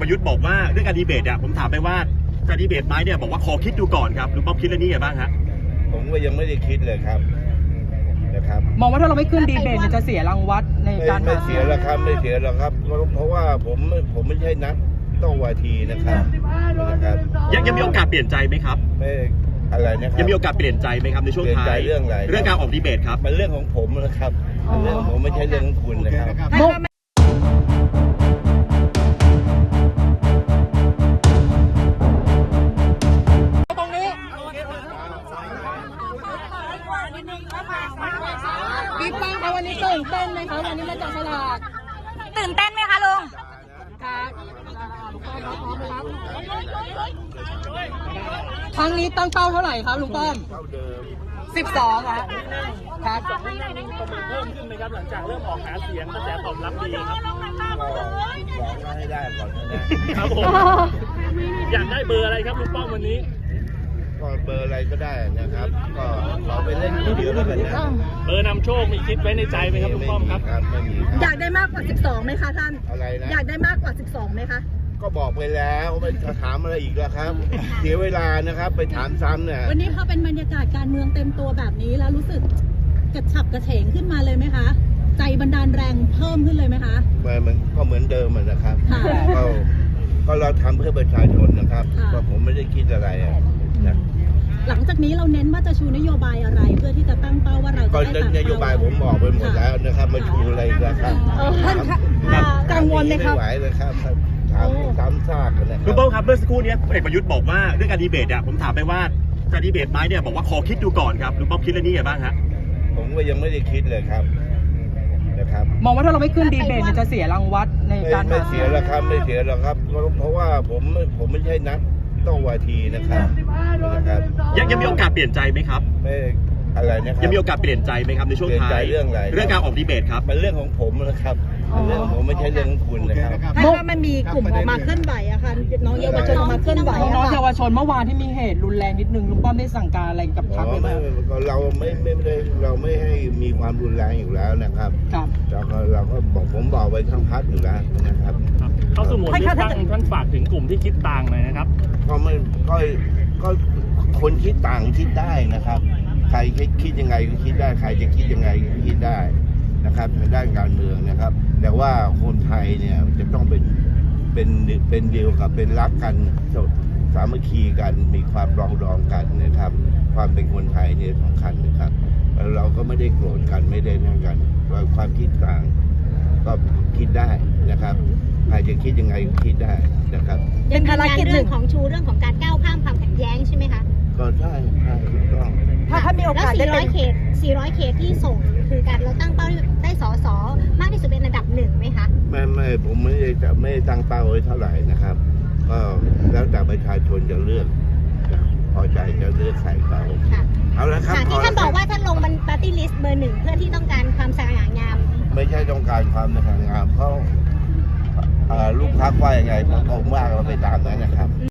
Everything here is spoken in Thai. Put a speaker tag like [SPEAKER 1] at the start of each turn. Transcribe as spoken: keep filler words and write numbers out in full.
[SPEAKER 1] ประยุทธ์บอกว่าเรื่องการดีเบตอ่ะผมถามไปว่าจะดีเบตไหมเนี่ยบอกว่าขอคิดดูก่อนครับลุงป้อมคิดเรื่องนี้ไงบ้างฮะ
[SPEAKER 2] ผมก็ยังไม่ได้คิดเลยครับนะครับ
[SPEAKER 3] มองว่าถ้าเราไม่ขึ้นดีเบตจะเสียรางวัลในการ
[SPEAKER 2] ไม่เสียหรอกครับไม่เสียหรอกครับเพราะว่าผมผมไม่ใช่นักโต้วาทีนะครับนะครับ
[SPEAKER 1] ยังยังมีโอกาสเปลี่ยนใจไหมครับ
[SPEAKER 2] ไม่อะไรนะครับ
[SPEAKER 1] ยังมีโอกาสเปลี่ยนใจไหมครับในช่วงท้าย
[SPEAKER 2] เรื่องอะไร
[SPEAKER 1] เรื่องการออกดีเบตครับ
[SPEAKER 2] มันเรื่องของผมนะครับเรื่องผมไม่ใช่เรื่องของคุณนะครับ
[SPEAKER 3] พี่ป้องคะวันนี้ตื่นเต้นไหมคะวันนี้มาจับฉลาก
[SPEAKER 4] ตื่นเต้นไหมคะลุง
[SPEAKER 3] ครับครั้งนี้ตั้งเป้าเท่าไหร่ครับลุงป้อมสิบสองครับครับ
[SPEAKER 5] สองที่นั่งมีประมาณเพิ่มขึ้นไหมครับหลังจากเริ่มออกหาเสียงกระแสตอบรับดีครับ
[SPEAKER 2] ลองให้ได้ก่อนนะครับ
[SPEAKER 5] ผมอยากได้เบอร์อะไรครับลุงป้อมวันนี้
[SPEAKER 2] ก็เบอร์อะไรก็ได้นะครับก็ขอไปเล่นทีเดียวแล้วกันนะ
[SPEAKER 5] เบอร์นำโชคมีคิดไว้ในใจไหมครับลุงป้อมครับ
[SPEAKER 2] ไม่มีครับ
[SPEAKER 6] อยากได้มากกว่าสิบสองไหมคะท่าน
[SPEAKER 2] อะไรนะ
[SPEAKER 6] อยากได้มากกว่าสิบสองไหมคะ
[SPEAKER 2] ก็บอกไปแล้วไม่ถามอะไรอีกแล้วครับเสียเวลานะครับไปถามซ้ำเนี่ย
[SPEAKER 6] วันนี้พอเป็นบรรยากาศการเมืองเต็มตัวแบบนี้แล้วรู้สึกกระฉับกระเฉงขึ้นมาเลยไหมคะใจบันดาลแรงเพิ่มขึ้นเลยไหมคะ
[SPEAKER 2] มันก็เหมือนเดิมนะครับก็ก็เราทำเพื่อประชาชนนะครับก็ผมไม่ได้คิดอะไรนะ
[SPEAKER 6] หลังจากนี้เราเน้นว่าจะชูนโยบายอะไรเพื่อที่จะตั้งเป้าว่าเราจะได้ตาม
[SPEAKER 2] นโยบายผมบอกไปหมดแล้วนะครับมาชูอะไรกันครับ
[SPEAKER 6] กังวลไหมครับ
[SPEAKER 2] ไม่ไหวเลยครับถามซ้ำซากกันนะ
[SPEAKER 1] ลุงป้อมครับเมื่อสักครู่นี้พลเอกประยุทธ์บอกว่าเรื่องการดีเบตอ่ะผมถามไปว่าจะดีเบตไหมเนี่ยบอกว่าขอคิดดูก่อนครับลุงป้อมคิดเรื่องนี้ไงบ้างฮะ
[SPEAKER 2] ผมก็ยังไม่ได้คิดเลยครับนะครับ
[SPEAKER 3] มองว่าถ้าเราไม่ขึ้นดีเบตจะเสียรางวัลในการ
[SPEAKER 2] ไม่เสียหรอกครับไม่เสียหรอกครับเพราะว่าผมผมไม่ใช่นักโต้วาทีนะครับนะครับ
[SPEAKER 1] ยังยังมีโอกาสเปลี่ยนใจไหมครับ
[SPEAKER 2] ไม่อะไรนะครับ
[SPEAKER 1] ยังมีโอกาสเปลี่ยนใจไหมครับในช่วงท้าย
[SPEAKER 2] เรื่องอะไร
[SPEAKER 1] เรื่องการออกดีเบตครับ
[SPEAKER 2] มันเรื่องของผมนะครับเรื่องผมไม่ใช่เรื่องของคุณนะครับ
[SPEAKER 6] เพราะว่ามันมีกลุ่มออกมาเคลื่อนไหวอะค่ะน้องเยาวชนออกมาเคลื่อนไหว
[SPEAKER 3] น้องเยาวชนเมื่อวานที่มีเหตุรุนแรงนิดนึงลุงป้อมได้สั่งการอะไรกับพรรคไหม
[SPEAKER 2] เราไม่ไม่ได้เราไม่ให้มีความรุนแรงอยู่แล้วนะครับ
[SPEAKER 3] ครับ
[SPEAKER 2] เราก็เราก็บอกผมบอกไว้ทั้งพรรคอยู่แล้วนะครับ
[SPEAKER 5] เข้าสู่โหมดเลือกตั้งท่านฝากถึงกลุ่มที่คิดต่างหน่อยนะครับ
[SPEAKER 2] ก็ไม่ก็ก็คนคิดต่างคิดได้นะครับใครคิดยังไงก็คิดได้ใครจะคิดยังไงก็คิดได้นะครับทางด้านการเมืองนะครับแต่ว่าคนไทยเนี่ยจะต้องเป็นเป็นเป็นเดียวกับเป็นรักกันสามัคคีกันมีความรองรองกันนะครับความเป็นคนไทยเนี่ยสำคัญนะครับเราก็ไม่ได้โกรธกันไม่ได้นั่งกันความคิดต่างก็คิดได้นะครับใครจะคิดยังไงก็คิดได้นะครับ
[SPEAKER 6] เป็นภารกิจเรื่อง
[SPEAKER 4] ของชูเรื่องของการก้าวข้ามความขัดแย้งใช่ไหมคะ
[SPEAKER 2] ก็ใช่ใช่ถูกต้อง
[SPEAKER 6] ถ้าถ้ามีโอกาสได้
[SPEAKER 4] เป็นสี่ร้อยเขตสี่ร้อยเขตที่ส่งคือการเราตั้งเป้าได้สสมากที่สุดเป็นอันดับหนึ่งไหมคะ
[SPEAKER 2] ไม่ไม่ผมไม่ได้จะไม่ตั้งเป้าไว้เท่าไหร่นะครับก็แล้วแต่ประชาชนจะเลือกพอใจจะเลือกใครเขาเอาละครับ
[SPEAKER 4] ที่ท่านบอกว่าท่านลงบนปาร์ตี้ลิสต์เบอร์หนึ่งเพื่อที่ต้องการความสง่างาม
[SPEAKER 2] ไม่ใช่ต้องการความสง่างามเพราะลูกพรรคว่ายังไงผมว่าเราไปตามนั้นนะครับ